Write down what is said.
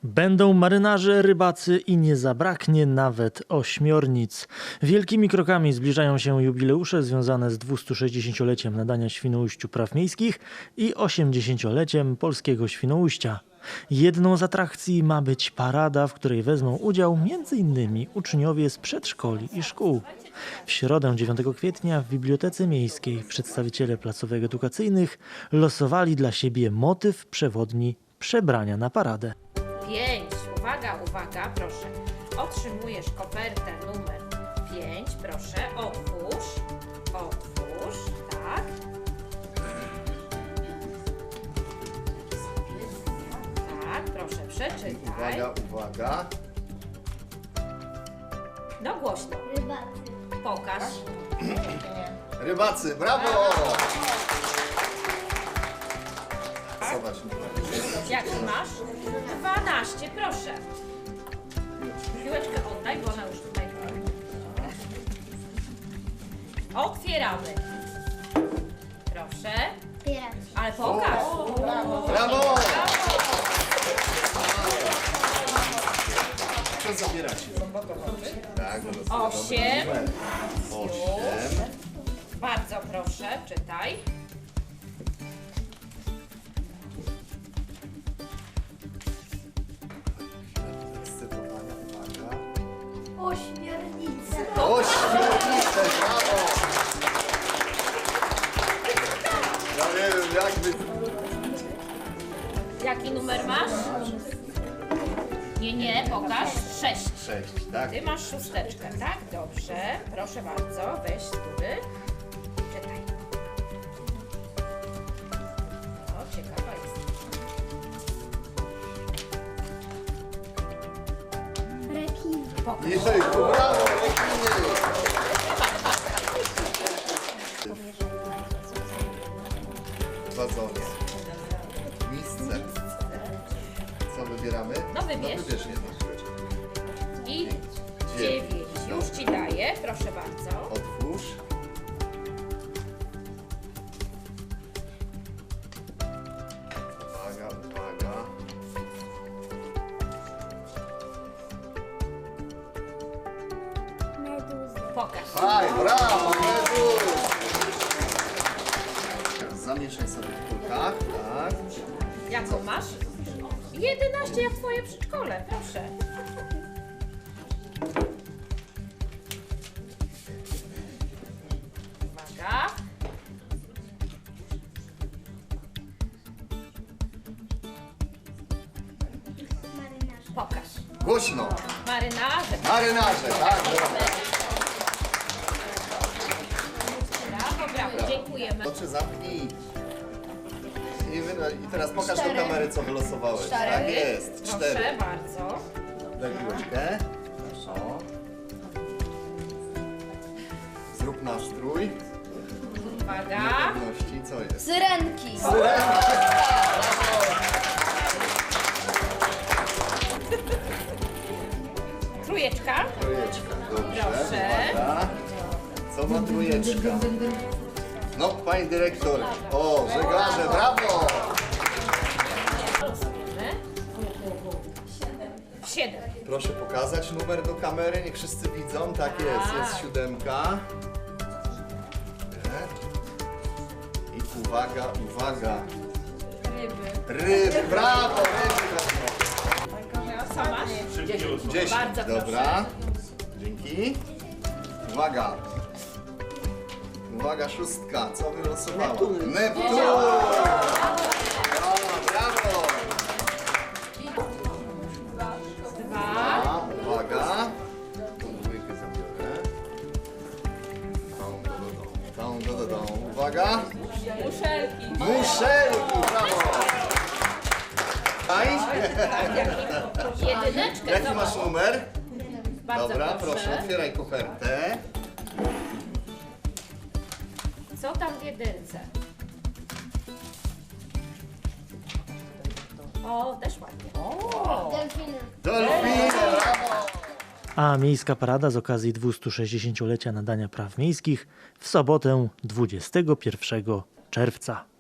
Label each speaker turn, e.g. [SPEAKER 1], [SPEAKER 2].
[SPEAKER 1] Będą marynarze, rybacy i nie zabraknie nawet ośmiornic. Wielkimi krokami zbliżają się jubileusze związane z 260-leciem nadania Świnoujściu praw miejskich i 80-leciem polskiego Świnoujścia. Jedną z atrakcji ma być parada, w której wezmą udział m.in. uczniowie z przedszkoli i szkół. W środę 9 kwietnia w Bibliotece Miejskiej przedstawiciele placówek edukacyjnych losowali dla siebie motyw przewodni przebrania na paradę.
[SPEAKER 2] 5. Uwaga, uwaga, proszę. Otrzymujesz kopertę numer 5. Proszę, otwórz. Otwórz, tak. Tak, proszę, przeczytaj.
[SPEAKER 3] Uwaga, uwaga.
[SPEAKER 2] No głośno.
[SPEAKER 4] Rybacy.
[SPEAKER 2] Pokaż.
[SPEAKER 3] Rybacy, brawo! Zobacz.
[SPEAKER 2] Jaki masz? 12, proszę. Piłeczkę oddaj, bo ona już tutaj. Otwieramy. Proszę.
[SPEAKER 4] Piraci.
[SPEAKER 2] Ale pokaż.
[SPEAKER 3] Brawo! Co zabieracie? Tak,
[SPEAKER 2] 8.
[SPEAKER 3] 8.
[SPEAKER 2] Bardzo proszę, czytaj.
[SPEAKER 3] Zdecydowanie, uwaga.
[SPEAKER 4] Ośmiornice.
[SPEAKER 3] Ośmiornice, brawo! Ja nie wiem, jakby...
[SPEAKER 2] Jaki numer masz? Nie, pokaż. 6.
[SPEAKER 3] 6, tak?
[SPEAKER 2] Ty masz szósteczkę, tak? Dobrze. Proszę bardzo, weź z góry. Czytaj. O, ciekawa jest.
[SPEAKER 4] Rekin.
[SPEAKER 2] Pokaż.
[SPEAKER 3] Jejku, brawo, rekiny! Wazonie. Misce. Co wybieramy?
[SPEAKER 2] No wybierz.
[SPEAKER 3] No wybierz jedno.
[SPEAKER 2] I 9. Już ci daję, proszę bardzo.
[SPEAKER 3] Otwórz. Uwaga, uwaga.
[SPEAKER 4] Meduzy.
[SPEAKER 2] Pokaż.
[SPEAKER 3] Aj, brawo, Medus! Zamieszaj sobie w kulkach, tak.
[SPEAKER 2] Jaką masz? 11 jak twoje przedszkole, proszę. Uwaga.
[SPEAKER 4] Marynarze.
[SPEAKER 2] Pokaż.
[SPEAKER 3] Głośno.
[SPEAKER 2] Marynarze.
[SPEAKER 3] Marynarze, tak.
[SPEAKER 2] Brawo, brawo, dziękujemy.
[SPEAKER 3] Oczy zamknij. I teraz pokaż do kamery, co wylosowałeś. Tak jest, 4.
[SPEAKER 2] Proszę bardzo.
[SPEAKER 3] Daj piłeczkę. O. Zrób nastrój.
[SPEAKER 2] Uwaga.
[SPEAKER 3] Pewności, co jest?
[SPEAKER 4] Syrenki.
[SPEAKER 2] Trójeczka.
[SPEAKER 3] Trójeczka, dobrze.
[SPEAKER 2] Proszę.
[SPEAKER 3] Uwaga. Co ma trójeczka? No, pani dyrektor. O, żeglarze, brawo!
[SPEAKER 2] Losujemy. 7.
[SPEAKER 3] Proszę pokazać numer do kamery, niech wszyscy widzą. Tak jest 7. I uwaga, uwaga. Ryby, brawo, ryby.
[SPEAKER 2] Co masz?
[SPEAKER 3] 10.
[SPEAKER 2] Bardzo proszę.
[SPEAKER 3] Dobra. Dzięki. Uwaga. Uwaga, 6. Co wylosowała? Neptun. Brawo.
[SPEAKER 2] 2.
[SPEAKER 3] A, uwaga. Tą dwójkę zabiorę. Tą. Uwaga.
[SPEAKER 2] Muszelki.
[SPEAKER 3] Muszelki, brawo. Aj.
[SPEAKER 2] Jedyneczkę.
[SPEAKER 3] Jaki
[SPEAKER 2] zobacz.
[SPEAKER 3] masz numer?
[SPEAKER 2] Bardzo
[SPEAKER 3] Dobra, proszę, otwieraj kopertę.
[SPEAKER 2] Co tam w jedynce? O, też ładnie.
[SPEAKER 4] Delfiny.
[SPEAKER 3] Dolfiny, brawo.
[SPEAKER 1] A miejska parada z okazji 260-lecia nadania praw miejskich w sobotę 21 czerwca.